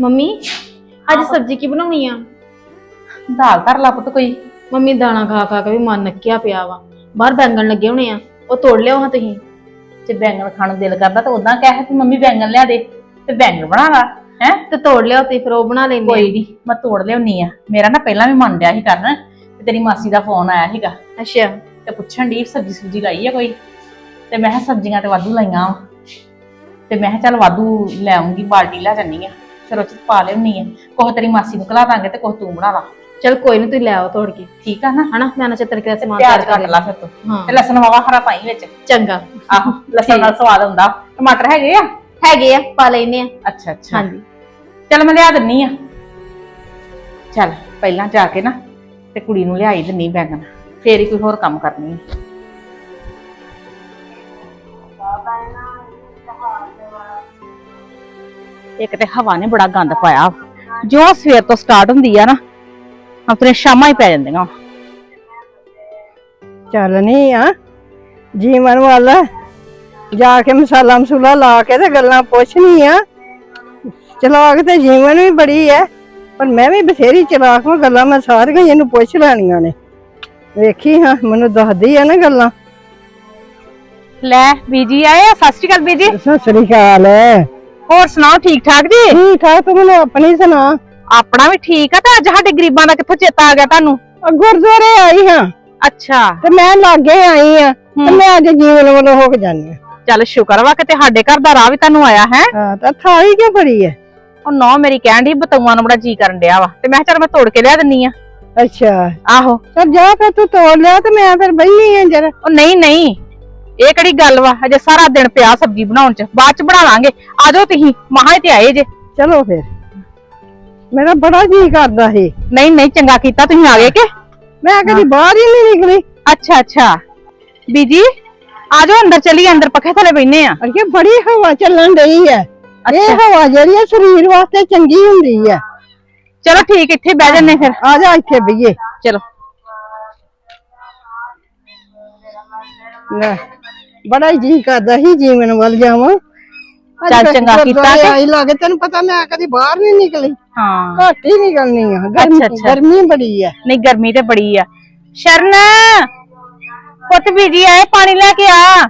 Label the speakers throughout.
Speaker 1: Mummy ਅੱਜ ਸਬਜ਼ੀ ਕੀ ਬਣਾਉਣੀ ਆ?
Speaker 2: ਦਾਲ ਧਰ ਲਾ ਪੁੱਤ ਕੋਈ।
Speaker 1: ਮੰਮੀ ਦਾਣਾ ਖਾ ਖਾ ਕੇ ਵੀ ਮਨ ਨੱਕਿਆ ਪਿਆ ਵਾ। ਬਾਹਰ ਬੈਂਗਣ ਲੱਗੇ ਹੋਣੇ ਆ, ਉਹ ਤੋੜ ਲਿਆਓ ਹਾਂ ਤੁਸੀਂ।
Speaker 2: ਜੇ ਬੈਂਗਣ ਖਾਣ ਨੂੰ ਦਿਲ ਕਰਦਾ ਤਾਂ ਉਦਾਂ ਕਹਿ ਕਿ ਮੰਮੀ ਬੈਂਗਣ ਲਿਆ ਦੇ ਤੇ ਬੈਂਗਣ ਬਣਾ ਲਾ ਹੈ।
Speaker 1: ਤੇ ਤੋੜ ਲਿਆਓ ਤੇ ਫਿਰ ਉਹ ਬਣਾ ਲੈਂਦੇ
Speaker 2: ਕੋਈ ਨਹੀਂ, ਮੈਂ ਤੋੜ ਲਿਆਉਣੀ ਆ। ਮੇਰਾ ਨਾ ਪਹਿਲਾਂ ਵੀ ਮਨ ਡਿਆ ਸੀ ਕਰਨ ਤੇ ਤੇਰੀ ਮਾਸੀ ਦਾ ਫੋਨ ਆਇਆ ਸੀਗਾ
Speaker 1: ਅੱਛਾ।
Speaker 2: ਤੇ ਪੁੱਛਣ ਦੀ ਸਬਜ਼ੀ ਸੁਬਜੀ ਲਾਈ ਆ ਕੋਈ, ਤੇ ਮੈਂ ਕਿਹਾ ਸਬਜ਼ੀਆਂ ਤੇ ਵਾਧੂ ਲਾਈਆਂ ਵਾ, ਤੇ ਮੈਂ ਕਿਹਾ ਚੱਲ ਵਾਧੂ ਲੈ ਆਉਂਗੀ, ਬਾਲਟੀ ਲੈ ਜਾਨੀ ਆ, ਫਿਰ ਉਹ ਚ ਪਾ ਲਿਆਉਣੀ ਆ। ਕੁਛ ਤੇਰੀ ਮਾਸੀ ਨੂੰ ਖਲਾ ਦਾਂਗੇ ਤੇ ਕੁਛ ਤੂੰ ਬਣਾ ਲਾ।
Speaker 1: ਚਲ ਕੋਈ ਨਹੀਂ, ਤੁਸੀਂ ਲੈ ਆਓ ਤੋੜ ਕੇ,
Speaker 2: ਠੀਕ ਆ ਨਾ?
Speaker 1: ਹਨਾ ਮੈਂ ਨਾ ਚਤਰ ਕੇ ਸਮਾਨ
Speaker 2: ਪਿਆਜ਼ ਕੱਟ ਲਾ ਫਿਰ ਤੂੰ,
Speaker 1: ਹਾਂ
Speaker 2: ਤੇ ਲਸਣ ਵਾਵਾ ਹਰਾ ਪਾਈ ਵਿੱਚ।
Speaker 1: ਚੰਗਾ।
Speaker 2: ਆਹੋ, ਲਸਣ ਨਾਲ ਸਵਾਦ ਹੁੰਦਾ। ਟਮਾਟਰ ਹੈਗੇ ਆ?
Speaker 1: ਹੈਗੇ ਆ, ਪਾ ਲੈਨੇ ਆ।
Speaker 2: ਅੱਛਾ ਅੱਛਾ,
Speaker 1: ਹਾਂਜੀ
Speaker 2: ਚੱਲ ਮੈਂ ਲਿਆ ਦਿੰਨੀ ਆ। ਚੱਲ ਪਹਿਲਾਂ ਜਾ ਕੇ ਨਾ ਤੇ ਕੁੜੀ ਨੂੰ ਲਿਆਈ ਦਿੰਨੀ ਬੈਂਗਣ, ਫੇਰ ਹੀ ਕੋਈ ਹੋਰ ਕੰਮ ਕਰਨੀ ਆ। ਇੱਕ ਤੇ ਹਵਾ ਨੇ ਬੜਾ ਗੰਦ ਪਾਇਆ, ਜੋ ਸਵੇਰ ਤੋਂ ਸਟਾਰਟ ਹੁੰਦੀ ਆ ਨਾ ਆਪਣੇ ਸ਼ਾਮਾਂ ਹੀ ਪੈ ਜਾਂਦੀਆਂ।
Speaker 3: ਚੱਲ ਨਹੀਂ ਆ ਜੀਵਨ ਵੱਲ ਜਾ ਕੇ ਮਸਾਲਾ ਮਸੂਲਾ ਲਾ ਕੇ ਤੇ ਗੱਲਾਂ ਪੁੱਛਣੀ ਆ। ਚਲਾਕ ਤੇ ਜੀਵਨ ਵੀ ਬੜੀ ਐ, ਪਰ ਮੈਂ ਵੀ ਬਥੇਰੀ ਚਲਾਕ ਹਾਂ। ਗੱਲਾਂ ਮੈਂ ਸਾਰੀਆਂ ਇਹਨੂੰ ਪੁੱਛ ਲੈਣੀਆਂ ਨੇ। ਵੇਖੀ ਹਾਂ, ਮੈਨੂੰ ਦੱਸਦੀ ਆ ਨਾ ਗੱਲਾਂ।
Speaker 2: ਲੈ ਬੀਜੀ ਆਏ ਆ। ਸਤਿ ਸ਼੍ਰੀ ਅਕਾਲ ਬੀਜੀ।
Speaker 3: ਸਤਿ ਸ੍ਰੀ ਅਕਾਲ।
Speaker 2: ਹੋਰ ਸੁਣਾਓ, ਠੀਕ ਠਾਕ ਜੀ?
Speaker 3: ਠੀਕ ਠਾਕ, ਤੂੰ ਮੈਨੂੰ ਆਪਣੀ ਸੁਣਾ।
Speaker 2: ਆਪਣਾ ਵੀ ਠੀਕ ਆ। ਤੇ ਅੱਜ ਸਾਡੇ ਗਰੀਬਾਂ ਦਾ ਕਿੱਥੋਂ ਚੇਤਾ ਆ ਗਿਆ ਤੁਹਾਨੂੰ?
Speaker 3: ਗੁਰਦੁਆਰੇ ਆਈ ਹਾਂ
Speaker 2: ਅੱਛਾ,
Speaker 3: ਤੇ ਮੈਂ ਲਾਗੇ ਆਈ ਆ, ਤੇ ਮੈਂ ਅੱਜ ਜੀਵਨ ਵੱਲੋਂ ਹੋ ਕੇ ਜਾਨੀ ਆ।
Speaker 2: ਚੱਲ ਸ਼ੁਕਰ ਵਾ ਕਿਤੇ ਸਾਡੇ ਘਰ ਦਾ ਰਾਹ ਵੀ ਤੁਹਾਨੂੰ ਆਇਆ ਹੈ।
Speaker 3: ਹਾਂ, ਤਾਂ ਥਾਲੀ ਕਿਉਂ ਬੜੀ ਐ?
Speaker 2: ਉਹ ਨੌ ਮੇਰੀ ਕਹਿਣ ਦੀ ਬਤੂਆਂ ਨੂੰ ਬੜਾ ਜੀ ਕਰਨ ਡਿਆ ਵਾ, ਤੇ ਮੈਂ ਕਿਹਾ ਚੱਲ ਮੈਂ ਤੋੜ ਕੇ ਲਿਆ ਦਿੰਨੀ ਆ।
Speaker 3: ਅੱਛਾ,
Speaker 2: ਆਹੋ।
Speaker 3: ਚੱਲ ਜਾ ਫਿਰ, ਤੂੰ ਤੋੜ ਲਿਆ ਤੇ ਮੈਂ ਫਿਰ ਬੈਠੀ ਆ ਜਰਾ।
Speaker 2: ਉਹ ਨਹੀਂ ਨਹੀਂ, ਇਹ ਕਿਹੜੀ ਗੱਲ ਵਾ, ਅਜੇ ਸਾਰਾ ਦਿਨ ਪਿਆ ਸਬਜ਼ੀ ਬਣਾਉਣ ਚ, ਬਾਅਦ ਚ ਬਣਾ ਲਾਂਗੇ। ਆ ਜਾਓ ਤੁਸੀਂ, ਮਹਾਂ ਤੇ ਆਏ ਜੇ।
Speaker 3: ਚਲੋ ਫਿਰ, ਮੇਰਾ ਬੜਾ ਜੀ ਕਰਦਾ ਸੀ।
Speaker 2: ਨਹੀਂ ਨਹੀਂ, ਚੰਗਾ ਕੀਤਾ ਤੁਸੀਂ ਆ ਗਏ ਕਿ।
Speaker 3: ਮੈਂ ਕਦੀ ਬਾਹਰ ਹੀ ਨਹੀਂ ਨਿਕਲੀ।
Speaker 2: ਅੱਛਾ ਅੱਛਾ ਬੀਜੀ, ਆ ਜਾਓ ਅੰਦਰ, ਚਲੀਏ ਅੰਦਰ, ਪੱਖੇ ਥੱਲੇ ਬੈਠਨੇ ਆ।
Speaker 3: ਅਰੇ ਬੜੀ ਹਵਾ ਚੱਲਣ ਡਈ ਹੈ। ਇਹ ਹਵਾ ਜਿਹੜੀ ਹੈ ਸਰੀਰ ਵਾਸਤੇ ਚੰਗੀ ਹੁੰਦੀ ਹੈ।
Speaker 2: ਚਲੋ ਠੀਕ, ਇੱਥੇ ਬਹਿ ਜੰਨੇ ਫਿਰ।
Speaker 3: ਆ ਜਾ ਇੱਥੇ ਬਈਏ।
Speaker 2: ਚਲੋ।
Speaker 3: ਲੈ, ਬੜਾ ਹੀ ਜੀ ਕਰਦਾ ਸੀ ਜੀਵਨ ਵੱਲ ਜਾਵਾਂ।
Speaker 2: ਚੱਲ ਚੰਗਾ ਕੀਤਾ ਕਿ
Speaker 3: ਆਈ ਲੱਗੇ। ਤੈਨੂੰ ਪਤਾ ਮੈਂ ਕਦੀ ਬਾਹਰ ਨਹੀਂ ਨਿਕਲੀ।
Speaker 2: ਹਾਂ,
Speaker 3: ਘੱਟ ਹੀ ਨਿਕਲਣੀ ਆ। ਗਰਮੀ ਬੜੀ ਹੈ।
Speaker 2: ਨਹੀਂ ਗਰਮੀ ਤੇ ਬੜੀ ਆ। ਸ਼ਰਨ ਪੁੱਤ, ਬੀਜੀ ਆਏ, ਪਾਣੀ ਲੈ ਕੇ ਆ।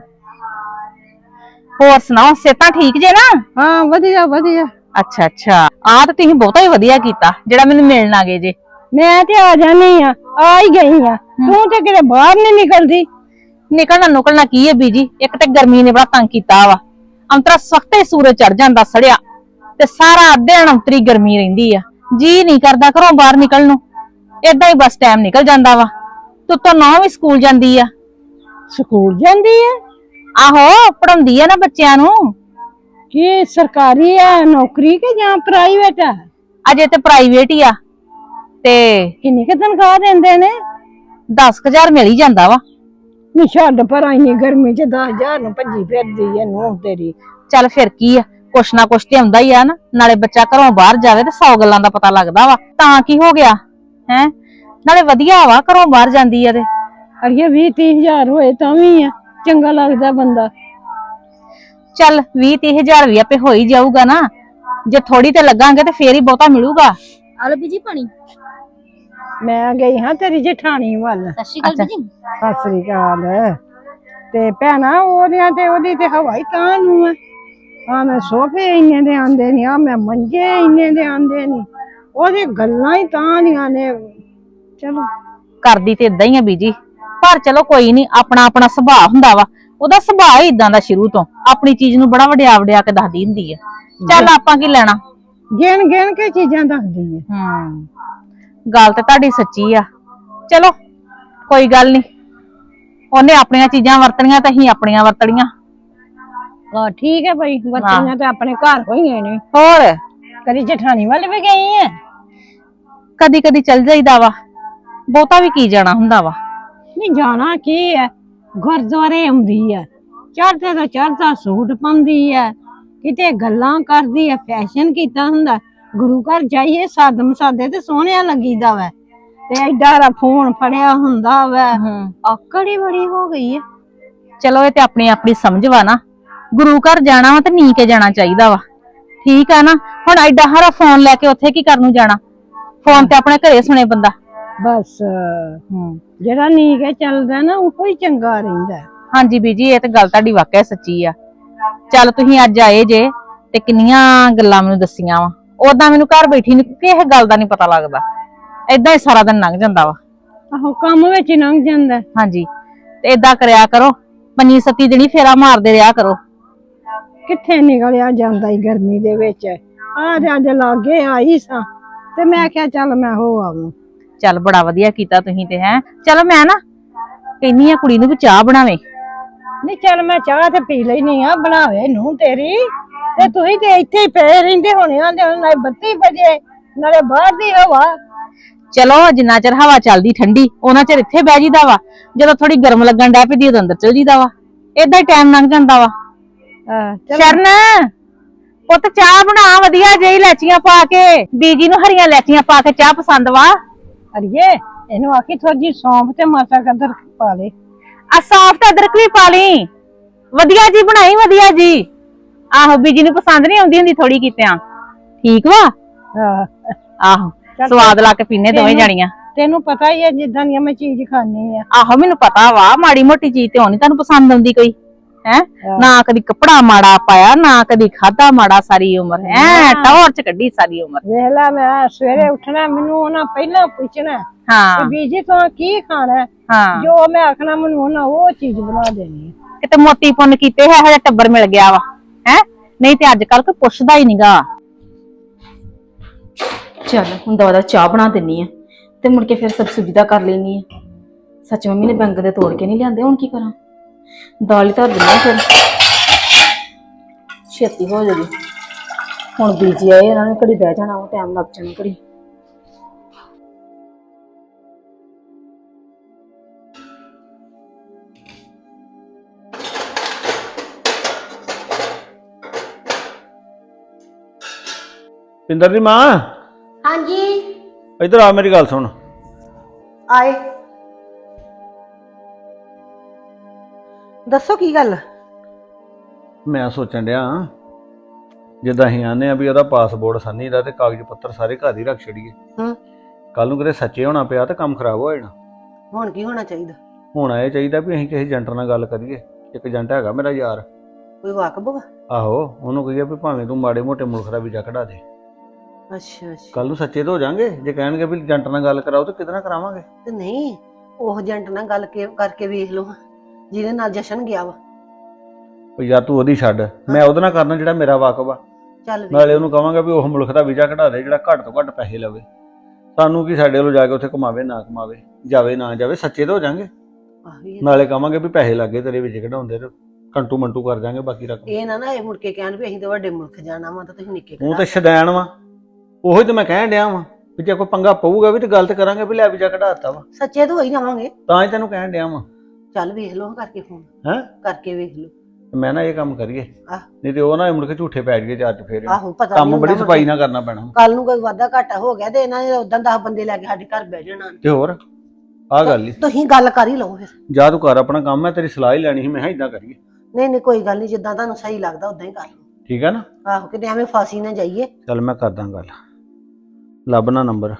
Speaker 2: ਹੋਰ ਸੁਣਾਓ, ਸਿਹਤਾਂ ਠੀਕ ਜੇ ਨਾ?
Speaker 3: ਹਾਂ, ਵਧੀਆ ਵਧੀਆ।
Speaker 2: ਅੱਛਾ ਅੱਛਾ, ਆ ਤਾਂ ਤੁਸੀਂ ਬਹੁਤਾ ਹੀ ਵਧੀਆ ਕੀਤਾ ਜਿਹੜਾ ਮੈਨੂੰ ਮਿਲਣ ਆ ਗਏ ਜੇ।
Speaker 3: ਮੈਂ ਤੇ ਆ ਜਾਣੀ ਆ ਹੀ ਗਈ ਆ। ਤੂੰ ਤੇ ਕਿਤੇ ਬਾਹਰ ਨਹੀਂ ਨਿਕਲਦੀ।
Speaker 2: ਨਿਕਲਣਾ ਕੀ ਹੈ ਬੀਜੀ, ਇੱਕ ਤੇ ਗਰਮੀ ਨੇ ਬੜਾ ਤੰਗ ਕੀਤਾ ਵਾ। ਅੰਤਰਾ ਸਖਤੇ ਸੂਰਜ ਚੜ ਜਾਂਦਾ ਸੜਿਆ, ਤੇ ਸਾਰਾ ਦਿਨ ਅੰਤਰੀ ਗਰਮੀ ਰਹਿੰਦੀ ਆ। ਜੀ ਨਹੀਂ ਕਰਦਾ ਘਰੋਂ ਬਾਹਰ ਨਿਕਲਣ ਨੂੰ, ਏਦਾਂ ਹੀ ਬਸ ਟਾਈਮ ਨਿਕਲ ਜਾਂਦਾ ਵਾ। ਤੂੰ ਤਾਂ ਨਾ ਵੀ ਸਕੂਲ ਜਾਂਦੀ ਆ।
Speaker 3: ਸਕੂਲ ਜਾਂਦੀ ਹੈ?
Speaker 2: ਆਹੋ, ਪੜਾਉਂਦੀ ਆ ਨਾ ਬੱਚਿਆਂ ਨੂੰ।
Speaker 3: ਕੀ ਸਰਕਾਰੀ ਆ ਨੌਕਰੀ ਕਿ ਜਾਂ ਪ੍ਰਾਈਵੇਟ ਆ?
Speaker 2: ਅਜੇ ਤੇ ਪ੍ਰਾਈਵੇਟ ਹੀ ਆ। ਤੇ
Speaker 3: ਕਿੰਨੀ ਕੁ ਤਨਖਾਹ ਦਿੰਦੇ ਨੇ?
Speaker 2: 10,000 ਮਿਲ ਹੀ ਜਾਂਦਾ ਵਾ।
Speaker 3: ਨੀ ਛੱਡ ਪਰ, ਇੰਨੀ ਗਰਮੀ ਚ 10,000 ਨੂੰ ਭੱਜੀ ਫਿਰਦੀ ਐ ਨੂੰ ਤੇਰੀ।
Speaker 2: ਚੱਲ ਫਿਰ ਕੀ ਆ, ਕੁਛ ਨਾ ਕੁਛ ਤੇ ਆਉਂਦਾ ਹੀ ਆ ਨਾ। ਨਾਲੇ ਬੱਚਾ ਘਰੋਂ ਬਾਹਰ ਜਾਵੇ ਤੇ 100 ਗੱਲਾਂ ਦਾ ਪਤਾ ਲੱਗਦਾ ਵਾ। ਤਾਂ ਕੀ ਹੋ ਗਿਆ ਹੈ, ਨਾਲੇ ਵਧੀਆ ਵਾ ਘਰੋਂ ਬਾਹਰ ਜਾਂਦੀ ਆ ਤੇ।
Speaker 3: ਅੜੀਏ 20-30,000 ਹੋਏ ਤਾਂ ਵੀ ਆ ਚੰਗਾ ਲੱਗਦਾ ਬੰਦਾ।
Speaker 2: ਚੱਲ 20-30,000 ਵੀ ਆਪੇ ਹੋ ਹੀ ਜਾਊਗਾ ਨਾ। ਜੇ ਥੋੜੀ ਤੇ ਲੱਗਾਂਗੇ ਤੇ ਫੇਰ ਹੀ ਬਹੁਤਾ ਮਿਲੂਗਾ।
Speaker 1: ਆਲੋ ਬੀਜੀ ਪਾਣੀ।
Speaker 3: ਮੈਂ ਗਈ ਹਾਂ ਤੇਰੀ ਜਠਾਣੀ ਵੱਲ।
Speaker 1: ਸਤਿ ਸ਼੍ਰੀ ਅਕਾਲ ਬੀਜੀ।
Speaker 3: ਸਤਿ ਸ੍ਰੀ ਅਕਾਲ। ਤੇ ਭੈਣਾ ਉਹਦੀ ਤੇ ਹਵਾ ਹੀ ਤਾਂ ਨੂੰ ਆ। ਆ ਮੈਂ ਸੋਫੇ ਇੰਨੇ ਦੇ ਆਂਦੇ ਨੀ, ਆ ਮੈਂ ਮੰਜੇ ਇੰਨੇ ਦੇ ਆਂਦੇ ਨੀ, ਉਹਦੇ ਗੱਲਾਂ ਹੀ ਤਾਂ ਦੀਆਂ ਨੇ। ਚਲੋ,
Speaker 2: ਕਰਦੀ ਤੇ ਇਦਾਂ ਹੀ ਆ ਬੀਜੀ, ਪਰ ਚਲੋ ਕੋਈ ਨਹੀਂ, ਆਪਣਾ ਆਪਣਾ ਸੁਭਾਅ ਹੁੰਦਾ ਵਾ। ਉਹਦਾ ਸੁਭਾਅ ਹੀ ਇਦਾਂ ਦਾ ਸ਼ੁਰੂ ਤੋਂ, ਆਪਣੀ ਚੀਜ਼ ਨੂੰ ਬੜਾ ਵਡਿਆ ਵਡਿਆ ਕੇ ਦੱਸਦੀ ਹੁੰਦੀ ਆ। ਚੱਲ ਆਪਾਂ ਕੀ ਲੈਣਾ,
Speaker 3: ਗਿਣ ਗਿਣ ਕੇ ਚੀਜ਼ਾਂ ਦੱਸਦੀ ਹੈ।
Speaker 2: ਗੱਲ ਤੇ ਤੁਹਾਡੀ ਸੱਚੀ ਆ। ਚਲੋ ਕੋਈ ਗੱਲ ਨੀ, ਉਹਨੇ ਆਪਣੀਆਂ ਚੀਜ਼ਾਂ ਵਰਤਣੀਆਂ ਤੇ ਅਸੀਂ ਆਪਣੀਆਂ ਵਰਤਣੀਆਂ।
Speaker 3: ਹਾਂ ਠੀਕ ਹੈ ਭਾਈ, ਬੱਚੀਆਂ ਤੇ ਆਪਣੇ ਘਰ ਹੋਈਆਂ ਨੇ।
Speaker 2: ਹੋਰ
Speaker 3: ਕਦੀ ਜਠਾਣੀ ਵੱਲ ਵੀ ਗਈ ਹੈ?
Speaker 2: ਕਦੀ ਕਦੀ ਚੱਲ ਜਾਈਦਾ ਵਾ, ਬਹੁਤਾ ਵੀ ਕੀ ਜਾਣਾ ਹੁੰਦਾ ਵਾ।
Speaker 3: ਨਹੀਂ ਜਾਣਾ ਕੀ ਹੈ, ਗੁਰਦੁਆਰੇ ਆਉਂਦੀ ਹੈ, ਚੜ੍ਹਦੇ ਤੋਂ ਚੜ੍ਹਦਾ ਸੂਟ ਪਾਉਂਦੀ ਹੈ, ਕਿਤੇ ਗੱਲਾਂ ਕਰਦੀ ਹੈ, ਫੈਸ਼ਨ ਕੀਤਾ ਹੁੰਦਾ। ਗੁਰੂ ਘਰ ਜਾਈਏ ਸਾਦਮ ਸਾਦੇ ਤੇ ਸੋਹਣਿਆ ਲੱਗੀਦਾ ਵਾ, ਤੇ ਐਡਾ ਫੋਨ ਫੜਿਆ ਹੁੰਦਾ ਵਾ। ਆਕੜ ਹੀ ਬੜੀ ਹੋ ਗਈ ਹੈ।
Speaker 2: ਚਲੋ ਇਹ ਤੇ ਆਪਣੀ ਆਪਣੀ ਸਮਝ ਵਾ ਨਾ। ਗੁਰੂ ਘਰ ਜਾਣਾ ਵਾ ਤੇ ਨੀ ਕੇ ਜਾਣਾ ਚਾਹੀਦਾ ਵਾ, ਠੀਕ ਆ ਨਾ। ਹੁਣ ਐਡਾ ਹਾਰਾ ਫੋਨ ਲੈ ਕੇ ਉੱਥੇ ਕੀ ਕਰਨ ਨੂੰ ਜਾਣਾ, ਫੋਨ ਤੇ ਆਪਣੇ ਘਰੇ ਸੁਣੇ ਬੰਦਾ।
Speaker 3: ਬਸ ਜਿਹੜਾ ਨੀਕ ਚੱਲਦਾ ਨਾ ਉਹ ਹੀ ਚੰਗਾ ਰਹਿੰਦਾ।
Speaker 2: ਹਾਂਜੀ ਬੀਜੀ, ਇਹ ਤੇ ਗੱਲ ਤੁਹਾਡੀ ਵਾਕਿਆ ਸੱਚੀ ਆ। ਚੱਲ ਤੁਸੀਂ ਅੱਜ ਆਏ ਜੇ ਤੇ ਕਿੰਨੀਆਂ ਗੱਲਾਂ ਮੈਨੂੰ ਦੱਸੀਆਂ ਵਾ। ਉਦਾਂ ਮੈਨੂੰ ਘਰ ਬੈਠੀ ਨੂੰ ਕਿਸੇ ਗੱਲ ਦਾ ਨਹੀਂ ਪਤਾ ਲੱਗਦਾ, ਏਦਾਂ ਹੀ ਸਾਰਾ ਦਿਨ ਲੰਘ ਜਾਂਦਾ ਵਾ।
Speaker 3: ਆਹੋ ਕੰਮ ਵਿੱਚ ਹੀ ਲੰਘ ਜਾਂਦਾ।
Speaker 2: ਹਾਂਜੀ, ਤੇ ਏਦਾਂ ਕਰਿਆ ਕਰੋ, 5-7 ਦਿਨ ਫੇਰਾ ਮਾਰਦੇ ਰਿਹਾ ਕਰੋ।
Speaker 3: ਕਿੱਥੇ ਨਿਕਲਿਆ ਜਾਂਦਾ ਈ ਗਰਮੀ ਦੇ ਵਿੱਚ। ਆ ਅੱਜ ਲਾਗੇ ਆਈ ਸਾਂ ਤੇ ਮੈਂ ਕਿਹਾ ਚੱਲ ਮੈਂ ਹੋ ਆਵਾਂ।
Speaker 2: ਚੱਲ ਬੜਾ ਵਧੀਆ ਕੀਤਾ ਤੁਸੀਂ ਤੇ। ਹੈ ਚਲੋ ਮੈਂ ਨਾ ਕਹਿੰਨੀ ਆ ਕੁੜੀ ਨੂੰ ਵੀ ਚਾਹ ਬਣਾਵੇ।
Speaker 3: ਨਹੀਂ ਚੱਲ ਮੈਂ ਚਾਹ ਤੇ ਪੀ ਲੈਣੀ ਆ, ਬਣਾਵੇ ਨੂੰ ਤੇਰੀ। ਤੇ ਤੁਸੀਂ ਤੇ ਇੱਥੇ ਹੀ ਪਏ ਰਹਿੰਦੇ ਹੋਣੇ ਆ, ਨਾਲੇ 32 ਵਜੇ ਨਾਲੇ ਬਾਹਰ ਦੀ ਹਵਾ।
Speaker 2: ਚਲੋ ਜਿੰਨਾ ਚਿਰ ਹਵਾ ਚੱਲਦੀ ਠੰਡੀ ਉਹਨਾਂ ਚਿਰ ਇੱਥੇ ਬਹਿ ਜੀਦਾ ਵਾ, ਜਦੋਂ ਥੋੜੀ ਗਰਮ ਲੱਗਣ ਡੈ ਪੈਂਦੀ ਉਦੋਂ ਅੰਦਰ ਚਲ ਜੀਦਾ ਵਾ। ਏਦਾਂ ਹੀ ਟਾਈਮ ਲੰਘ ਜਾਂਦਾ ਵਾ। ਸ਼ਰਨ ਪੁੱਤ ਚਾਹ ਬਣਾ ਵਧੀਆ ਜਿਹੀ ਇਲਾਚੀਆਂ ਪਾ ਕੇ। ਬੀਜੀ ਨੂੰ ਹਰੀਆਂ ਇਲਾਚੀਆਂ ਪਾ ਕੇ ਚਾਹ ਪਸੰਦ ਵਾ।
Speaker 3: ਅੜੀਏ ਇਹਨੂੰ ਆਖੀ ਥੋੜੀ ਜਿਹੀ ਸੌਂਫ ਤੇ ਮਾਸਾ ਕਦਰ ਪਾ ਲੈ।
Speaker 2: ਆ ਸਾਫ ਤੇ ਅਦਰਕ ਵੀ ਪਾ ਲਈ, ਵਧੀਆ ਜੀ ਬਣਾਈ ਵਧੀਆ ਜੀ। ਆਹੋ ਬੀਜੀ ਨੂੰ ਪਸੰਦ ਨਹੀਂ ਆਉਂਦੀ ਹੁੰਦੀ ਥੋੜੀ ਕੀਤਿਆਂ। ਠੀਕ ਵਾ। ਆਹੋ ਸਵਾਦ ਲਾ ਕੇ ਪੀਨੇ ਦੋਵੇਂ ਜਾਣੀਆਂ।
Speaker 3: ਤੈਨੂੰ ਪਤਾ ਹੀ ਹੈ ਜਿੱਦਾਂ ਦੀ ਮੈਂ ਚੀਜ਼ ਖਾਣੀ ਆ।
Speaker 2: ਆਹੋ ਮੈਨੂੰ ਪਤਾ ਵਾ, ਮਾੜੀ ਮੋਟੀ ਚੀਜ਼ ਤੇ ਹੋਣੀ ਤੁਹਾਨੂੰ ਪਸੰਦ ਆਉਂਦੀ ਕੋਈ। ਹੈ ਨਾ ਕਦੀ ਕੱਪੜਾ ਮਾੜਾ ਪਾਇਆ, ਨਾ ਕਦੀ ਖਾਦਾ ਮਾੜਾ, ਸਾਰੀ ਉਮਰ ਟੌਰ ਚ ਕੱਢੀ ਸਾਰੀ ਉਮਰ।
Speaker 3: ਵੇਖ ਲੈ ਮੈਂ ਸਵੇਰੇ ਉੱਠਣਾ ਮੈਨੂੰ ਉਹਨਾਂ ਪਹਿਲਾਂ ਪੁੱਛਣਾ
Speaker 2: ਹਾਂ
Speaker 3: ਬੀਜੀ ਤੂੰ ਕੀ ਖਾਣਾ।
Speaker 2: ਹਾਂ
Speaker 3: ਜੋ ਮੈਂ ਆਖਣਾ ਮੈਨੂੰ ਉਹਨਾਂ ਉਹ ਚੀਜ਼ ਬਣਾ ਦੇਣੀ।
Speaker 2: ਕਿਤੇ ਮੋਤੀ ਪੁੰਨ ਕੀਤੇ ਹੈ ਹਜੇ ਟੱਬਰ ਮਿਲ ਗਿਆ ਵਾ। ਹੈ ਨਹੀਂ ਤੇ ਅੱਜ ਕੱਲ ਕੋਈ ਪੁੱਛਦਾ ਹੀ ਨੀਗਾ।
Speaker 1: ਚੱਲ ਹੁਣ ਦਵਾ ਚਾਹ ਬਣਾ ਦਿੰਨੀ ਆ ਤੇ ਮੁੜ ਕੇ ਫਿਰ ਸਬਜ਼ੀ ਦਾ ਕਰ ਲੈਣੀ ਆ। ਸੱਚ ਮੰਮੀ ਨੇ ਬੈਂਗਣ ਦੇ ਤੋੜ ਕੇ ਨਹੀਂ ਲਿਆਂਦੇ, ਹੁਣ ਕੀ ਕਰਾਂ? ਦਾਲ ਹੀ ਧਰ ਦਿੰਨੀ ਫਿਰ ਛੇਤੀ ਹੋ ਜਾਏਗੀ। ਹੁਣ ਬੀਜੀ ਆਏ, ਇਹਨਾਂ ਨੇ ਘੜੀ ਬਹਿ ਜਾਣਾ, ਉਹ ਟਾਈਮ ਲੱਗ ਜਾਣਾ ਘੜੀ।
Speaker 4: ਪਿੰਦਰ ਦੀ ਮਾਂ।
Speaker 5: ਹਾਂਜੀ
Speaker 4: ਇੱਧਰ ਆ, ਮੇਰੀ ਗੱਲ ਸੁਣ।
Speaker 5: ਆਏ। ਦੱਸੋ ਕੀ ਗੱਲ?
Speaker 4: ਮੈਂ ਸੋਚਣ ਡਿਆ ਜਿੱਦਾਂ ਅਸੀਂ ਆਨੇ ਆ ਵੀ ਉਹਦਾ ਪਾਸਪੋਰਟ ਸੰਨੀ ਦਾ ਤੇ ਕਾਗਜ਼ ਪੱਤਰ ਸਾਰੇ ਘਰ ਹੀ ਰੱਖ ਛੜੀਏ। ਕੱਲ ਨੂੰ ਕਿਤੇ ਸੱਚੇ ਹੋਣਾ ਪਿਆ ਤੇ ਕੰਮ ਖਰਾਬ ਹੋ ਜਾਣਾ।
Speaker 5: ਹੁਣ ਕੀ ਹੋਣਾ ਚਾਹੀਦਾ?
Speaker 4: ਹੋਣਾ ਇਹ ਚਾਹੀਦਾ ਵੀ ਅਸੀਂ ਕਿਸੇ ਏਜੰਟ ਨਾਲ ਗੱਲ ਕਰੀਏ। ਇੱਕ ਏਜੰਟ ਹੈਗਾ ਮੇਰਾ ਯਾਰ।
Speaker 5: ਕੋਈ ਵਾਕਬ ਵਾ?
Speaker 4: ਆਹੋ ਉਹਨੂੰ ਕਹੀਏ ਵੀ ਭਾਵੇਂ ਤੂੰ ਮਾੜੇ ਮੋਟੇ ਮੁਲਕ ਦਾ ਵੀਜ਼ਾ ਕਢਾ ਦੇ।
Speaker 5: ਅੱਛਾ ਅੱਛਾ।
Speaker 4: ਕੱਲ ਨੂੰ ਸੱਚੇ ਤਾਂ ਹੋ ਜਾਾਂਗੇ। ਜੇ ਕਹਿਣਗੇ ਵੀ ਏਜੰਟ ਨਾਲ ਗੱਲ ਕਰਾਓ ਤਾਂ ਕਿਹਦੇ ਨਾਲ ਕਰਾਵਾਂਗੇ?
Speaker 5: ਤੇ ਨਹੀਂ ਉਹ ਏਜੰਟ ਨਾਲ ਗੱਲ ਕਰਕੇ ਵੇਖ ਲਓ ਜਿਹਦੇ ਨਾਲ ਜਸ਼ਨ ਗਿਆ ਵਾ।
Speaker 4: ਉਹ ਯਾਰ ਤੂੰ ਉਹਦੀ ਛੱਡ, ਮੈਂ ਉਹਦੇ ਨਾਲ ਕਰਨਾ ਜਿਹੜਾ ਮੇਰਾ ਵਾਕਬ ਆ।
Speaker 5: ਚੱਲ
Speaker 4: ਨਾਲੇ ਉਹਨੂੰ ਕਹਾਂਗਾ ਵੀ ਉਹ ਮੁਲਕ ਦਾ ਵੀਜ਼ਾ ਕਢਾ ਦੇ ਜਿਹੜਾ ਘੱਟ ਤੋਂ ਘੱਟ ਪੈਸੇ ਲਵੇ। ਸਾਨੂੰ ਕੀ ਸਾਡੇ ਵੱਲੋਂ ਜਾ ਕੇ ਉੱਥੇ ਕਮਾਵੇ ਨਾ ਕਮਾਵੇ, ਜਾਵੇ ਨਾ ਜਾਵੇ, ਸੱਚੇ ਤਾਂ ਹੋ ਜਾਾਂਗੇ। ਨਾਲੇ ਕਹਾਂਗੇ ਵੀ ਪੈਸੇ ਲੱਗੇ ਤੇਰੇ ਵੀਜ਼ੇ ਕਢਾਉਂਦੇ ਤੇ ਕੰਟੂ ਮੰਟੂ ਕਰ ਜਾਾਂਗੇ ਬਾਕੀ ਰਕਮ।
Speaker 5: ਇਹ ਨਾ ਇਹ ਮੁੜ ਕੇ ਕਹਿਣ ਵੀ ਅਸੀਂ ਤਾਂ ਵੱਡੇ ਮੁਲਕ ਜਾਣਾ ਵਾ ਤਾਂ ਤੁਸੀਂ ਨਿੱਕੇ
Speaker 4: ਉਹ ਤਾਂ ਸ਼ਦੈਣ ਵਾ। ਉਹੀ ਤਾਂ ਮੈਂ ਕਹਿਣ ਡਿਆ ਵਾਂ ਵੀ ਜੇ ਕੋਈ ਪੰਗਾ ਪਊਗਾ ਵੀ ਤੇ ਗੱਲ ਤੇ ਕਰਾਂਗੇ ਵੀ ਲੈ ਵੀਜ਼ਾ ਕਢਾ ਦਿੱਤਾ ਵਾ।
Speaker 5: ਸੱਚੇ ਤਾਂ ਹੋ ਹੀ ਜਾਵਾਂਗੇ।
Speaker 4: ਤਾਂ ਹੀ ਤੈਨੂੰ ਕਹਿਣ ਡਿਆ ਵਾਂ।
Speaker 5: ਚੱਲ ਵੇਖ ਲਓ ਕਰਕੇ ਫੋਨ।
Speaker 4: ਹੈਂ
Speaker 5: ਕਰਕੇ ਵੇਖ ਲਓ।
Speaker 4: ਮੈਂ ਨਾ ਇਹ ਕੰਮ ਕਰੀਏ,
Speaker 5: ਆਹ
Speaker 4: ਨਹੀਂ ਤੇ ਉਹ ਨਾ ਮੁੜ ਕੇ ਝੂਠੇ ਪੈ ਜਾਈਏ ਚਾਰ ਚਫੇਰੇ।
Speaker 5: ਆਹੋ ਪਤਾ
Speaker 4: ਕੰਮ ਬੜੀ ਸਫਾਈ ਨਾਲ ਕਰਨਾ ਪੈਣਾ।
Speaker 5: ਕੱਲ ਨੂੰ ਕੋਈ ਵਾਧਾ ਘਾਟਾ ਹੋ ਗਿਆ ਤੇ ਇਹਨਾਂ ਨੇ ਉਦਾਂ 10 ਬੰਦੇ ਲੈ ਕੇ ਸਾਡੇ ਘਰ ਬਹਿ ਜਾਣਾ।
Speaker 4: ਤੇ ਹੋਰ ਆਹ ਗੱਲ ਹੀ
Speaker 5: ਤੁਸੀਂ ਗੱਲ ਕਰ ਹੀ ਲਓ ਫਿਰ।
Speaker 4: ਜਾ ਤੂੰ ਕਰ ਆਪਣਾ ਕੰਮ, ਮੈਂ ਤੇਰੀ ਸਲਾਹ ਹੀ ਲੈਣੀ ਸੀ। ਮੈਂ ਕਿਹਾ ਇਦਾਂ ਕਰੀਏ।
Speaker 5: ਨਹੀਂ ਨਹੀਂ ਕੋਈ ਗੱਲ ਨਹੀਂ, ਜਿੱਦਾਂ ਤੁਹਾਨੂੰ ਸਹੀ ਲੱਗਦਾ ਉਦਾਂ ਹੀ ਕਰ ਲਓ।
Speaker 4: ਠੀਕ ਹੈ ਨਾ?
Speaker 5: ਆਹੋ ਕਿਤੇ ਐਵੇਂ ਫਾਸੀ ਨਾ ਜਾਈਏ।
Speaker 4: ਚੱਲ ਮੈਂ ਕਰਦਾ ਗੱਲ, ਲੱਭਣਾ ਨੰਬਰ।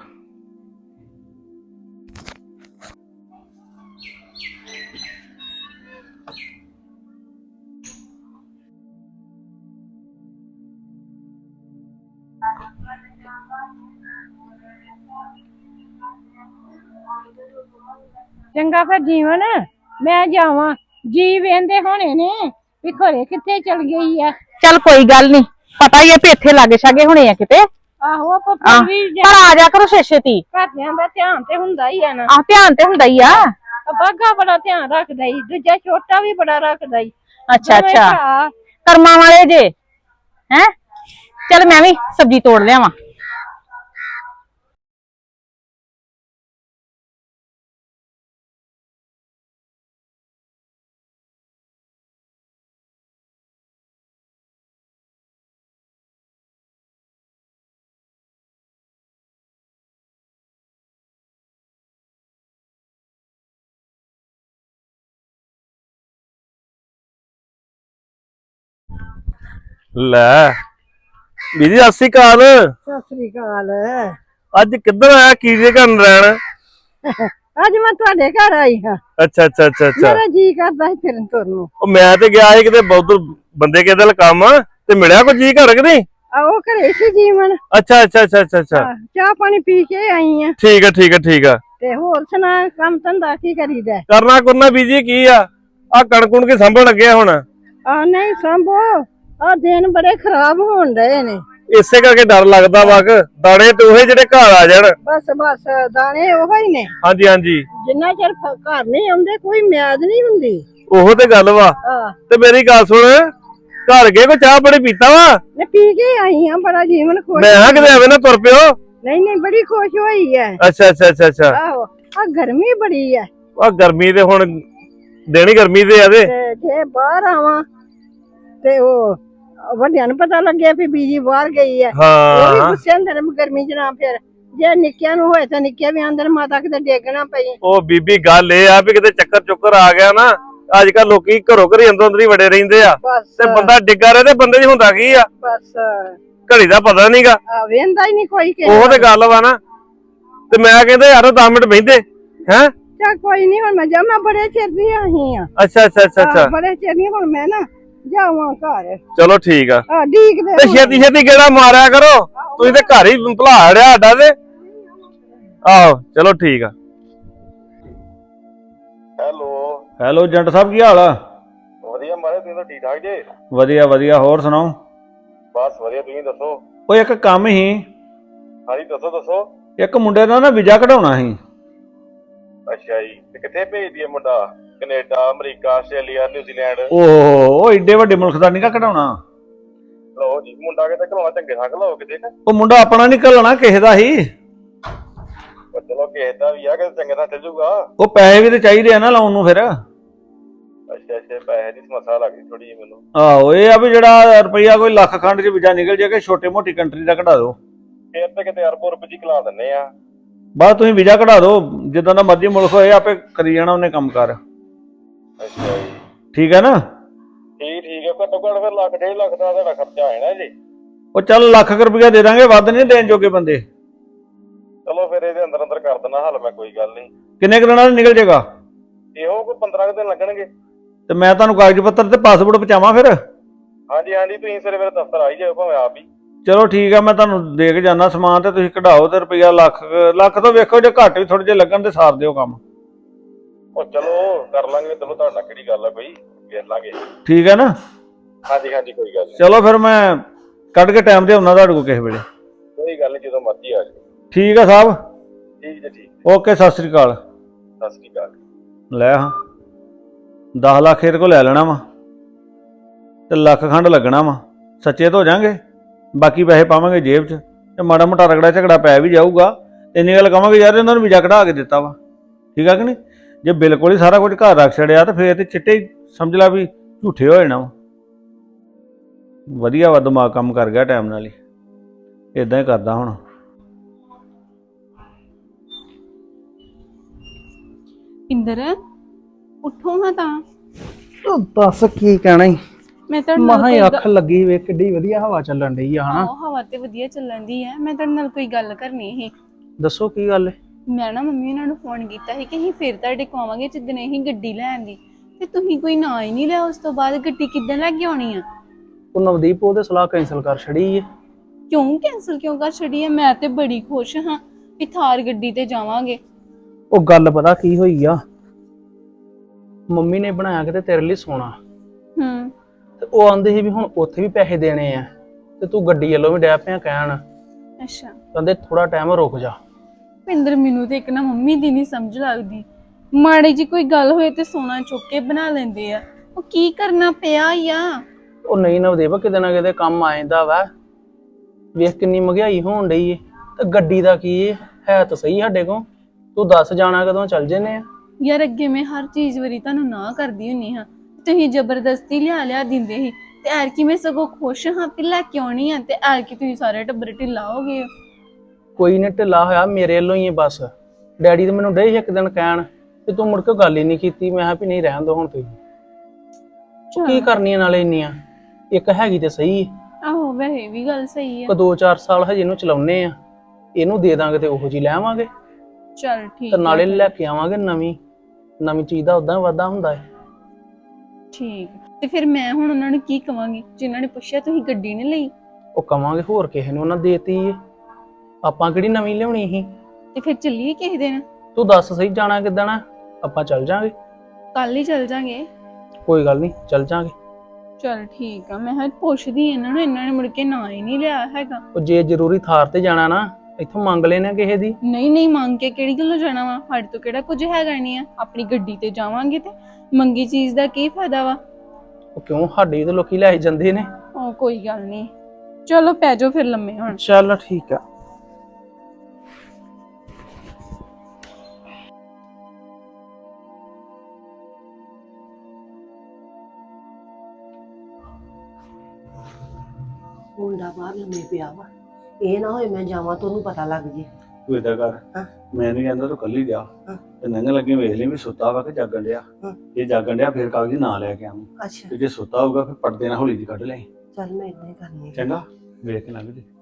Speaker 3: ਚੰਗਾ ਫਿਰ ਜੀਵਨ ਮੈਂ ਜਾਵਾਂ। ਜੀ ਵੇਂਦੇ ਹੋਣੇ ਨੇ ਵੀ ਘਰੇ ਕਿੱਥੇ ਚਲ ਗਈ ਆ।
Speaker 2: ਚੱਲ ਕੋਈ ਗੱਲ ਨੀ, ਪਤਾ ਹੀ ਆ ਵੀ ਇੱਥੇ ਲਾਗੇ ਛਾਗੇ ਹੋਣੇ ਆ ਕਿਤੇ।
Speaker 3: ਆਹੋ ਆਪਾਂ ਫਿਰ ਵੀ
Speaker 2: ਪਰ ਆ ਜਾ ਕਰੋ ਛੇਤੀ।
Speaker 3: ਘਰਦਿਆਂ ਦਾ ਧਿਆਨ ਤੇ ਹੁੰਦਾ ਹੀ ਆ ਨਾ।
Speaker 2: ਆਹ ਧਿਆਨ ਤੇ ਹੁੰਦਾ ਹੀ ਆ।
Speaker 3: ਬਾਗਾ ਬੜਾ ਧਿਆਨ ਰੱਖਦਾ ਈ, ਦੂਜਾ ਛੋਟਾ ਵੀ ਬੜਾ ਰੱਖਦਾ ਈ।
Speaker 2: ਅੱਛਾ ਅੱਛਾ, ਕਰਮਾਂ ਵਾਲੇ ਜੇ। ਹੈ ਚੱਲ ਮੈਂ ਵੀ ਸਬਜ਼ੀ ਤੋੜ ਲਿਆਵਾਂ।
Speaker 4: ਲੈ
Speaker 6: ਬੀਜੀ ਸਤਿ ਸ਼੍ਰੀ ਅਕਾਲ।
Speaker 3: ਸਤਿ ਸ੍ਰੀ ਅਕਾਲ।
Speaker 6: ਅੱਜ ਕਿੱਧਰ ਆਇਆ ਕੀ ਜੇ ਕਰਨ ਰਹਿਣ?
Speaker 3: ਅੱਜ ਮੈਂ ਤੁਹਾਡੇ ਘਰ ਆਈ ਹਾਂ।
Speaker 6: ਅੱਛਾ ਅੱਛਾ ਅੱਛਾ ਅੱਛਾ।
Speaker 3: ਮੇਰਾ ਜੀ ਕਰਦਾ ਸੀ ਫਿਰਨ ਤੁਰਨ ਨੂੰ।
Speaker 6: ਉਹ ਮੈਂ ਤੇ ਗਿਆ ਸੀ ਕਿਤੇ ਬਹੁਤ ਬੰਦੇ ਕਿਹਦੇ ਨਾਲ ਕੰਮ ਤੇ ਮਿਲਿਆ ਕੋਈ ਜੀ ਘਰ ਕਿ ਨਹੀਂ?
Speaker 3: ਉਹ ਘਰੇ ਸੀ ਜੀਵਨ।
Speaker 6: ਅੱਛਾ ਅੱਛਾ ਅੱਛਾ ਅੱਛਾ ਅੱਛਾ।
Speaker 3: ਚਾਹ ਪਾਣੀ ਪੀ ਕੇ ਆਈ ਆ।
Speaker 6: ਠੀਕ ਆ ਠੀਕ ਆ ਠੀਕ ਆ।
Speaker 3: ਤੇ ਹੋਰ ਸੁਣਾ ਕੰਮ ਧੰਦਾ ਕੀ ਕਰੀਦਾ?
Speaker 6: ਕਰਨਾ ਕੁਰਨਾ ਬੀਜੀ ਕੀ ਆ ਕਣਕ ਕੇ ਸੰਭਣ ਲੱਗੇ ਹੁਣ।
Speaker 3: ਨਹੀਂ ਸੰਭੋ ਦਿਨ ਬੜੇ ਖਰਾਬ ਹੋਣ ਡਏ ਨੇ।
Speaker 6: ਇਸੇ ਕਰਕੇ ਡਰ ਲੱਗਦਾ ਵਾ ਕਿ ਦਾਣੇ ਤੇ ਉਹੇ ਜਿਹੜੇ ਘਰ ਆ ਜਾਣ।
Speaker 3: ਬਸ ਦਾਣੇ ਉਹੋ ਹੀ ਨੇ।
Speaker 6: ਹਾਂਜੀ ਹਾਂਜੀ।
Speaker 3: ਜਿੰਨਾ ਚਿਰ ਘਰ ਨਹੀਂ ਆਉਂਦੇ ਕੋਈ ਮਿਆਦ ਨਹੀਂ ਹੁੰਦੀ।
Speaker 6: ਉਹੋ ਤੇ ਗੱਲ ਵਾ। ਤੇ ਮੇਰੀ ਗੱਲ ਸੁਣ, ਘਰ ਗਏ ਕੋਈ ਚਾਹ ਬੜੀ ਪੀਤਾ ਵਾ?
Speaker 3: ਮੈਂ ਪੀ ਕੇ ਆਈ ਹਾਂ। ਬੜਾ ਜੀਵਨ ਖੁਸ਼।
Speaker 6: ਮੈਂ ਹਾਂ ਕਿਤੇ ਐਵੇਂ ਨਾ ਤੁਰ ਪਿਓ।
Speaker 3: ਨਹੀਂ ਬੜੀ ਖੁਸ਼ ਹੋਈ ਹੈ।
Speaker 6: ਅੱਛਾ ਅੱਛਾ ਅੱਛਾ ਅੱਛਾ।
Speaker 3: ਆਹੋ ਗਰਮੀ ਬੜੀ ਹੈ।
Speaker 6: ਗਰਮੀ ਤੇ ਹੁਣ ਦੇਣੀ ਗਰਮੀ ਤੇ ਆ ਤੇ
Speaker 3: ਜੇ ਬਾਹਰ ਆਵਾਂ ਤੇ ਉਹ ਵੱਡਿਆਂ ਨੂੰ ਪਤਾ ਲੱਗਿਆ ਵੀ ਬੀਜੀ ਬਾਹਰ ਗਈ ਹੈ। ਉਹ ਵੀ ਗੁੱਸੇ ਹੁੰਦੇ ਨੇ ਗਰਮੀ ਚ ਨਾ। ਫਿਰ ਜੇ ਨਿੱਕਿਆਂ ਨੂੰ ਹੋਏ ਤਾਂ ਨਿੱਕੇ ਵੀ ਆਂਦਰ ਮਾਤਾ ਕਿਤੇ ਡੇਗਣਾ ਪਈ।
Speaker 6: ਉਹ ਬੀਬੀ ਗੱਲ ਇਹ ਆ ਵੀ ਕਿਤੇ ਚੱਕਰ ਚੁੱਕਰ ਆ ਗਿਆ ਨਾ। ਅੱਜ ਕੱਲ ਲੋਕੀ ਘਰੋਂ ਘਰੀ ਅੰਦਰ ਹੀ ਵੜੇ ਰਹਿੰਦੇ ਆ ਤੇ ਬੰਦਾ ਡਿੱਗਾ ਰਹੇ ਤੇ ਬੰਦੇ 'ਚ ਹੁੰਦਾ ਕੀ ਆ?
Speaker 3: ਬਸ
Speaker 6: ਘੜੀ ਦਾ ਪਤਾ ਨਹੀਂਗਾ।
Speaker 3: ਵੇਂਦਾ ਹੀ ਨਹੀਂ ਕੋਈ।
Speaker 6: ਉਹ ਤੇ ਗੱਲ ਵਾ ਨਾ। ਤੇ ਮੈਂ ਕਹਿੰਦਾ ਯਾਰ 10 ਮਿੰਟ ਬਹਿੰਦੇ ਹੈ।
Speaker 3: ਚੱਲ ਕੋਈ ਨਹੀਂ ਹੁਣ ਮੈਂ ਬੜੇ ਚਿਰ ਦੀ ਆਹੀ ਆ।
Speaker 6: ਅੱਛਾ ਅੱਛਾ ਅੱਛਾ ਅੱਛਾ।
Speaker 3: ਬੜੇ ਚਿਰ ਦੀ ਹੁਣ ਮੈਂ ਨਾ ਜਾਵਾਂ ਘਰ।
Speaker 6: ਚਲੋ ਠੀਕ ਆ।
Speaker 3: ਡੀਕਦੇ
Speaker 6: ਤੇ ਛੇਤੀ ਛੇਤੀ ਗੇੜਾ ਮਾਰਿਆ ਕਰੋ। ਤੁਸੀਂ ਤੇ ਘਰ ਹੀ ਭੁਲਾ ਰਿਹਾ ਸਾਡਾ ਤੇ। ਆਹੋ ਚਲੋ ਠੀਕ ਆ। ਹੈਲੋ ਜੰਟ ਸਾਹਿਬ ਕੀ ਹਾਲ ਆ?
Speaker 7: ਵਧੀਆ ਮਾਰੇ ਤੁਸੀਂ ਤਾਂ ਠੀਕ ਠਾਕ ਜੇ?
Speaker 6: ਵਧੀਆ ਵਧੀਆ। ਹੋਰ ਸੁਣਾਓ?
Speaker 7: ਬਸ ਵਧੀਆ। ਤੁਸੀਂ ਦੱਸੋ?
Speaker 6: ਉਹ ਇੱਕ ਕੰਮ ਸੀ।
Speaker 7: ਹਾਂਜੀ ਦੱਸੋ ਦੱਸੋ।
Speaker 6: ਇੱਕ ਮੁੰਡੇ ਦਾ ਨਾ ਵੀਜ਼ਾ ਕਢਾਉਣਾ ਸੀ।
Speaker 7: ਅੱਛਾ ਜੀ। ਤੇ ਕਿੱਥੇ ਭੇਜ ਦਈਏ ਮੁੰਡਾ? Canada, America, Australia, New Zealand?
Speaker 6: ਉਹ ਏਡੇ ਵੱਡੇ ਮੁਲਕ ਦਾ ਨਹੀਂਗਾ ਕਢਾਉਣਾ।
Speaker 7: ਲਓ ਜੀ ਮੁੰਡਾ ਕਿਤੇ ਘਲਾਉਣਾ ਚੰਗੇ ਥਾਂ ਘਲਾਓ ਕਿਤੇ ਨਾ।
Speaker 6: ਉਹ ਮੁੰਡਾ ਆਪਣਾ ਨਹੀਂ ਘੱਲਣਾ ਕਿਸੇ ਦਾ ਹੀ।
Speaker 7: ਚਲੋ ਕਿਸੇ ਦਾ ਵੀ ਆ ਕਿਤੇ ਚੰਗੇ ਥਾਂ ਚੱਲ ਜੂਗਾ।
Speaker 6: ਉਹ ਪੈਸੇ ਵੀ ਤੇ ਚਾਹੀਦੇ ਆ ਨਾ ਲਾਉਣ ਨੂੰ ਫਿਰ।
Speaker 7: ਅੱਛਾ ਅੱਛਾ। ਪੈਸੇ ਦੀ ਸਮੱਸਿਆ ਲੱਗ ਗਈ ਥੋੜੀ ਜਿਹੀ ਮੈਨੂੰ।
Speaker 6: ਆਹੋ ਇਹ ਆ ਵੀ ਜਿਹੜਾ ਰੁਪਈਆ ਕੋਈ ਲੱਖ ਖੰਡ ਚ ਵੀਜ਼ਾ ਨਿਕਲ ਜਾਏ ਕਿ ਛੋਟੇ ਮੋਟੀ ਕੰਟਰੀ ਦਾ ਕਢਾ ਦਿਓ।
Speaker 7: ਫੇਰ ਤੇ ਕਿਤੇ ਅਰਬੋ ਰੁਪਏ ਜੀ ਘਲਾ ਦਿੰਨੇ ਆ।
Speaker 6: ਬਸ ਤੁਸੀਂ ਵੀਜ਼ਾ ਕਢਾ ਦਿਓ। ਜਿੱਦਾਂ ਦਾ ਮਰਜ਼ੀ ਮੁਲਕ ਹੋਏ ਆਪੇ ਕਰੀ ਜਾਣਾ ਉਹਨੇ ਕੰਮ ਕਰ।
Speaker 7: ਅੱਛਾ ਜੀ।
Speaker 6: ਠੀਕ ਹੈ ਨਾ?
Speaker 7: ਠੀਕ ਹੈ। ਘੱਟੋ ਘੱਟ ਫਿਰ ਲੱਖ 1.5 ਲੱਖ ਦਾ ਤੁਹਾਡਾ ਖਰਚਾ ਆ ਜਾਣਾ ਜੀ।
Speaker 6: ਉਹ ਚੱਲ ਲੱਖ ਰੁਪਈਆ ਦੇ ਦਾਂਗੇ। ਵੱਧ ਨਹੀਂ ਦੇਣ ਜੋਗੇ ਬੰਦੇ।
Speaker 7: ਚਲੋ ਫਿਰ ਇਹਦੇ ਅੰਦਰ ਅੰਦਰ ਕਰ ਦੇਣਾ ਹੱਲ। ਮੈਂ ਕੋਈ ਗੱਲ ਨਹੀਂ।
Speaker 6: ਕਿੰਨੇ ਕੁ ਦਿਨਾਂ ਚ ਨਿਕਲ ਜਾਏਗਾ?
Speaker 7: ਇਹੋ ਕੋਈ 15 ਦਿਨ ਲੱਗਣਗੇ।
Speaker 6: ਤੇ ਮੈਂ ਤੁਹਾਨੂੰ ਕਾਗਜ਼ ਪੱਤਰ ਤੇ ਪਾਸਪੋਰਟ ਪਹੁੰਚਾਵਾਂ ਫਿਰ?
Speaker 7: ਹਾਂਜੀ ਹਾਂਜੀ। ਤੁਸੀਂ ਸਵੇਰੇ ਮੇਰੇ ਦਫ਼ਤਰ ਆਈ ਜਾਓ ਭਾਵੇਂ ਆਪ ਹੀ।
Speaker 6: ਚਲੋ ਠੀਕ ਆ। ਮੈਂ ਤੁਹਾਨੂੰ ਦੇ ਕੇ ਜਾਣਾ ਸਮਾਨ ਤੇ ਤੁਸੀਂ ਕਢਾਓ ਤੇ ਰੁਪਈਆ ਲੱਖ ਤੋਂ ਵੇਖੋ ਜੇ ਘੱਟ ਵੀ ਥੋੜੇ ਜਿਹੇ ਲੱਗਣ ਤੇ ਸਾਰ ਦਿਓ ਕੰਮ।
Speaker 7: ਉਹ ਚਲੋ ਕਰ ਲਾਂਗੇ। ਚਲੋ ਤੁਹਾਡਾ ਕਿਹੜੀ ਗੱਲ ਆ ਕੋਈ ਵੇਖ ਲਾਂਗੇ।
Speaker 6: ਠੀਕ ਹੈ ਨਾ?
Speaker 7: ਹਾਂਜੀ ਹਾਂਜੀ ਕੋਈ ਗੱਲ ਨਹੀਂ।
Speaker 6: ਚਲੋ ਫਿਰ ਮੈਂ ਕੱਢ ਕੇ ਟਾਈਮ ਤੇ ਆਉਣਾ ਤੁਹਾਡੇ ਕੋਲ ਕਿਸੇ ਵੇਲੇ।
Speaker 7: ਕੋਈ ਗੱਲ ਨਹੀਂ ਜਦੋਂ ਮਰਜ਼ੀ ਆ ਜਾਓ।
Speaker 6: ਠੀਕ ਆ ਸਾਹਿਬ।
Speaker 7: ਠੀਕ ਜੀ ਠੀਕ।
Speaker 6: ਓਕੇ ਸਤਿ ਸ੍ਰੀ ਅਕਾਲ।
Speaker 7: ਸਤਿ ਸ੍ਰੀ ਅਕਾਲ।
Speaker 6: ਲੈ ਹਾਂ 10 ਲੱਖ ਇਹਦੇ ਕੋਲ ਲੈ ਲੈਣਾ ਵਾ ਤੇ ਲੱਖ ਖੰਡ ਲੱਗਣਾ ਵਾ। ਸੱਚੇ ਤਾਂ ਹੋ ਜਾਾਂਗੇ। ਬਾਕੀ ਪੈਸੇ ਪਾਵਾਂਗੇ ਜੇਬ 'ਚ ਤੇ ਮਾੜਾ ਮੋਟਾ ਰਗੜਾ ਝਗੜਾ ਪੈ ਵੀ ਜਾਊਗਾ। ਇੰਨੀ ਗੱਲ ਕਹਾਂਗੇ ਯਾਰ ਇਹਨਾਂ ਨੂੰ ਵੀਜ਼ਾ ਕਢਾ ਕੇ ਦਿੱਤਾ ਵਾ। ਠੀਕ ਆ ਕਿ ਨਹੀਂ? ਜੇ ਬਿਲਕੁਲ ਹੀ ਸਾਰਾ ਕੁਝ ਘਰ ਰੱਖ ਛੜਿਆ ਤਾਂ ਫੇਰ ਤੇ ਚਿੱਟੇ ਹੀ ਸਮਝ ਲਾ ਵੀ ਝੂਠੇ ਹੋ ਜਾਣਾ ਵਾ। ਵਧੀਆ ਵਾ ਦਿਮਾਗ ਕੰਮ ਕਰ ਗਿਆ ਟਾਈਮ ਨਾਲ ਹੀ। ਇਦਾਂ ਹੀ ਕਰਦਾ ਹੁਣ।
Speaker 8: ਇੰਦਰ ਉੱਠੋ ਹਾਂ ਤਾਂ।
Speaker 9: ਦੱਸ ਕੀ ਕਹਿਣਾ ਈ?
Speaker 8: ਮੈਂ ਤਾਂ
Speaker 9: ਮਹਾ ਅੱਖ ਲੱਗੀ ਵੇ ਕਿੱਡੀ ਵਧੀਆ ਹਵਾ ਚੱਲਣ ਡਈ ਆ ਹਨਾ।
Speaker 8: ਹਵਾ ਤੇ ਵਧੀਆ ਚੱਲਣ ਦੀ ਹੈ। ਮੈਂ ਤੁਹਾਡੇ ਨਾਲ ਕੋਈ ਗੱਲ ਕਰਨੀ ਸੀ।
Speaker 9: ਦੱਸੋ ਕੀ ਗੱਲ ਏ?
Speaker 8: ਮੈਂ ਨਾ ਮੰਮੀ ਉਹਨਾਂ ਨੂੰ ਫੋਨ ਕੀਤਾ ਸੀ ਕਿ ਅਸੀਂ ਫਿਰ ਤੁਹਾਡੇ ਕੋਲ ਆਵਾਂਗੇ ਜਿੱਦਣ ਅਸੀਂ ਗੱਡੀ ਲੈਣ ਦੀ। ਤੇ ਤੁਸੀਂ ਕੋਈ ਨਾਂ ਹੀ ਨਹੀਂ ਲਿਆ। ਉਸ ਤੋਂ ਬਾਅਦ ਗੱਡੀ ਕਿੱਦਾਂ ਲੈ ਕੇ ਆਉਣੀ ਆ?
Speaker 9: ਉਹ ਨਵਦੀਪ ਉਹਦੇ ਸਲਾਹ ਕੈਂਸਲ ਕਰ ਛੜੀ ਏ।
Speaker 8: ਕਿਉਂ ਕੈਂਸਲ ਕਿਉਂ ਕਰ ਛੜੀ ਹੈ? ਮੈਂ ਤੇ ਬੜੀ ਖੁਸ਼ ਹਾਂ ਵੀ ਥਾਰ ਗੱਡੀ ਤੇ ਜਾਵਾਂਗੇ।
Speaker 9: ਉਹ ਗੱਲ ਪਤਾ ਕੀ ਹੋਈ ਆ? ਮੰਮੀ ਨੇ ਬਣਾਇਆ ਕਿਤੇ ਤੇਰੇ ਲਈ ਸੋਨਾ। ਤੇ ਉਹ ਆਂਦੇ ਸੀ ਵੀ ਹੁਣ ਉੱਥੇ ਵੀ ਪੈਸੇ ਦੇਣੇ ਆ ਤੇ ਤੂੰ ਗੱਡੀ ਵੱਲੋਂ ਵੀ ਡੈ ਪਿਆ ਕਹਿਣ।
Speaker 8: ਅੱਛਾ।
Speaker 9: ਕਹਿੰਦੇ ਥੋੜਾ ਟਾਈਮ ਰੁਕ ਜਾ।
Speaker 8: ਪਿੰਦਰ ਮੈਨੂੰ ਤੇ ਇੱਕ ਨਾ ਮੰਮੀ ਦੀ ਨਹੀਂ ਸਮਝ ਲੱਗਦੀ। ਮਾੜੀ ਜੀ ਕੋਈ ਗੱਲ ਹੋਏ ਤੇ ਸੋਨਾ ਚੁੱਕ ਕੇ ਬਣਾ ਲੈਂਦੇ ਆ। ਉਹ ਕੀ ਕਰਨਾ ਪਿਆ ਆ?
Speaker 9: ਉਹ ਨਹੀਂ ਨਵਦੀਪ ਕਿਤੇ ਨਾ ਕਿਤੇ ਕੰਮ ਆ ਜਾਂਦਾ ਵਾ। ਵੇਖ ਕਿੰਨੀ ਮਹਿੰਗਾਈ ਹੋਣ ਡਈ ਏ ਤੇ ਗੱਡੀ ਦਾ ਕੀ ਏ? ਹੈ ਤਾਂ ਸਹੀ ਸਾਡੇ ਕੋਲ। ਤੂੰ ਦੱਸ ਜਾਣਾ ਕਦੋਂ ਚੱਲ ਜੰਨੇ ਆ?
Speaker 8: ਯਾਰ ਅੱਗੇ ਮੈਂ ਹਰ ਚੀਜ਼ ਵਾਰੀ ਤੁਹਾਨੂੰ ਨਾ ਕਰਦੀ ਹੁੰਨੀ ਹਾਂ। ਤੁਸੀਂ ਜ਼ਬਰਦਸਤੀ ਲਿਆ ਦਿੰਦੇ ਸੀ ਤੇ ਐਰਕੀ ਮੈਂ ਸਗੋਂ ਖੁਸ਼ ਹਾਂ ਕਿ ਲੈ ਕੇ ਆਉਣੀ ਆ ਤੇ ਐਰਕੀ ਤੁਸੀਂ ਸਾਰੇ ਟੱਬਰ ਢਿੱਲਾ ਹੋ ਗਏ।
Speaker 9: ਕੋਈ ਨਹੀਂ ਢਿੱਲਾ ਹੋਇਆ ਮੇਰੇ ਵੱਲੋਂ ਹੀ ਬਸ। ਡੈਡੀ ਤੇ ਮੈਨੂੰ ਡੇ ਇੱਕ ਦਿਨ ਕਹਿਣ ਤੇ ਤੂੰ ਮੁੜ ਕੇ ਗੱਲ ਹੀ ਨਹੀਂ ਕੀਤੀ। ਮੈਂ ਕਿਹਾ ਵੀ ਨਹੀਂ ਰਹਿਣ ਦੋ ਹੁਣ ਤੁਸੀਂ। ਕੀ ਕਰਨੀਆਂ ਨਾਲੇ ਇੰਨੀਆਂ? ਇੱਕ ਹੈਗੀ ਤੇ ਸਹੀ।
Speaker 8: ਆਹੋ ਵੈਸੇ ਇਹ ਵੀ ਗੱਲ ਸਹੀ ਹੈ।
Speaker 9: ਕੋ 2-4 ਸਾਲ ਹਜੇ ਇਹਨੂੰ ਚਲਾਉਨੇ ਆ, ਇਹਨੂੰ ਦੇ ਦਾਂਗੇ ਤੇ ਉਹੋ ਜੀ ਲੈ ਆਵਾਂਗੇ
Speaker 8: ਚਲ ਠੀਕ
Speaker 9: ਤੇ
Speaker 8: ਹੈ
Speaker 9: ਨਾਲੇ
Speaker 8: ਫਿਰ।
Speaker 9: ਲੈ ਕੇ ਆਵਾਂਗੇ ਨਵੀਂ ਚੀਜ਼ ਦਾ ਉਦਾਂ ਵਾਧਾ ਹੁੰਦਾ ਹੈ।
Speaker 8: ਠੀਕ ਤੇ ਫਿਰ ਮੈਂ ਹੁਣ ਉਹਨਾਂ ਨੂੰ ਕੀ ਕਵਾਂਗੀ ਜਿਨ੍ਹਾਂ ਨੇ ਪੁੱਛਿਆ ਤੁਸੀਂ ਗੱਡੀ ਨਹੀਂ ਲਈ?
Speaker 9: ਉਹ ਕਵਾਂਗੇ ਹੋਰ ਕਿਸੇ ਨੂੰ ਉਹਨਾਂ ਦੇਤੀ ਏ, ਆਪਾਂ ਕਿਹੜੀ ਨਵੀਂ ਲਿਆਉਣੀ ਸੀ।
Speaker 8: ਤੇ ਫਿਰ ਚੱਲੀਏ ਕਿਸੇ ਦਿਨ?
Speaker 9: ਤੂੰ ਦੱਸ ਸਹੀ ਜਾਣਾ ਕਿੱਦਣ ਆ, ਆਪਾਂ ਚੱਲ ਜਾਾਂਗੇ।
Speaker 8: ਕੱਲ ਹੀ ਚੱਲ ਜਾਾਂਗੇ।
Speaker 9: ਕੋਈ ਗੱਲ ਨਹੀਂ ਚੱਲ ਜਾਾਂਗੇ।
Speaker 8: ਚਲ ਠੀਕ ਆ, ਮੈਂ ਪੁੱਛਦੀ ਇਹਨਾਂ ਨੂੰ, ਇਹਨਾਂ ਨੇ ਮੁੜ ਕੇ ਨਾ ਹੀ ਨਹੀਂ ਲਿਆ ਹੈਗਾ।
Speaker 9: ਉਹ ਜੇ ਜ਼ਰੂਰੀ ਥਾਰ ਤੇ ਜਾਣਾ ਨਾ ਇੱਥੋਂ ਮੰਗ ਲੈਣਾ ਕਿਸੇ ਦੀ।
Speaker 8: ਨਹੀਂ ਮੰਗ ਕੇ ਕਿਹੜੀ ਗੱਲੋਂ ਜਾਣਾ ਵਾ, ਸਾਡੇ ਤੋਂ ਕਿਹੜਾ ਕੁਝ ਹੈਗਾ ਨਹੀਂ ਆ, ਆਪਣੀ ਗੱਡੀ ਤੇ ਜਾਵਾਂਗੇ ਤੇ ਮੰਗੀ ਚੀਜ਼ ਦਾ ਕੀ ਫਾਇਦਾ ਵਾ।
Speaker 9: ਉਹ ਕਿਉਂ, ਸਾਡੇ ਤੇ ਲੋਕੀ ਲੈ ਜਾਂਦੇ ਨੇ।
Speaker 8: ਉਹ ਕੋਈ ਗੱਲ ਨਹੀਂ, ਚਲੋ ਪੈ ਜਾਓ ਫਿਰ ਲੰਮੇ ਹੁਣ।
Speaker 9: ਚੱਲ ਠੀਕ ਆ।
Speaker 5: ਮੁੰਡਾ ਬਾਹਰ ਲੰਮੇ ਪਿਆ ਵਾ, ਇਹ ਨਾ ਹੋਏ ਮੈਂ ਜਾਵਾਂ ਤਾਂ ਉਹਨੂੰ ਪਤਾ ਲੱਗ ਜੇ।
Speaker 4: ਤੂੰ ਏਦਾਂ ਕਰ,
Speaker 5: ਹਾਂ।
Speaker 4: ਮੈਂ ਨਹੀਂ ਕਹਿੰਦਾ ਤੂੰ ਕੱਲੀ ਜਾ
Speaker 5: ਹਾਂ।
Speaker 4: ਤੇ ਨੰਗ ਲੱਗੇ ਵੇਖ ਲਈ ਵੀ ਸੁੱਤਾ ਵਾ ਕਿ ਜਾਗਣ ਡਿਆ।
Speaker 5: ਹਾਂ।
Speaker 4: ਜੇ ਜਾਗਣ ਡਿਆ ਫਿਰ ਕਾਗਜ਼ ਨਾ ਲੈ ਕੇ ਆਵੀਂ,
Speaker 5: ਅੱਛਾ
Speaker 4: ਤੇ ਜੇ ਸੁੱਤਾ ਹੋਊਗਾ ਫਿਰ ਪਰਦੇ ਨਾਲ ਹੌਲੀ ਦੀ ਕੱਢ ਲੈ।
Speaker 5: ਚੱਲ ਮੈਂ ਇਦਾਂ ਹੀ ਕਰਨੀ ਆ।
Speaker 4: ਚੰਗਾ, ਵੇਖ ਕੇ ਲੰਘ ਜੇ।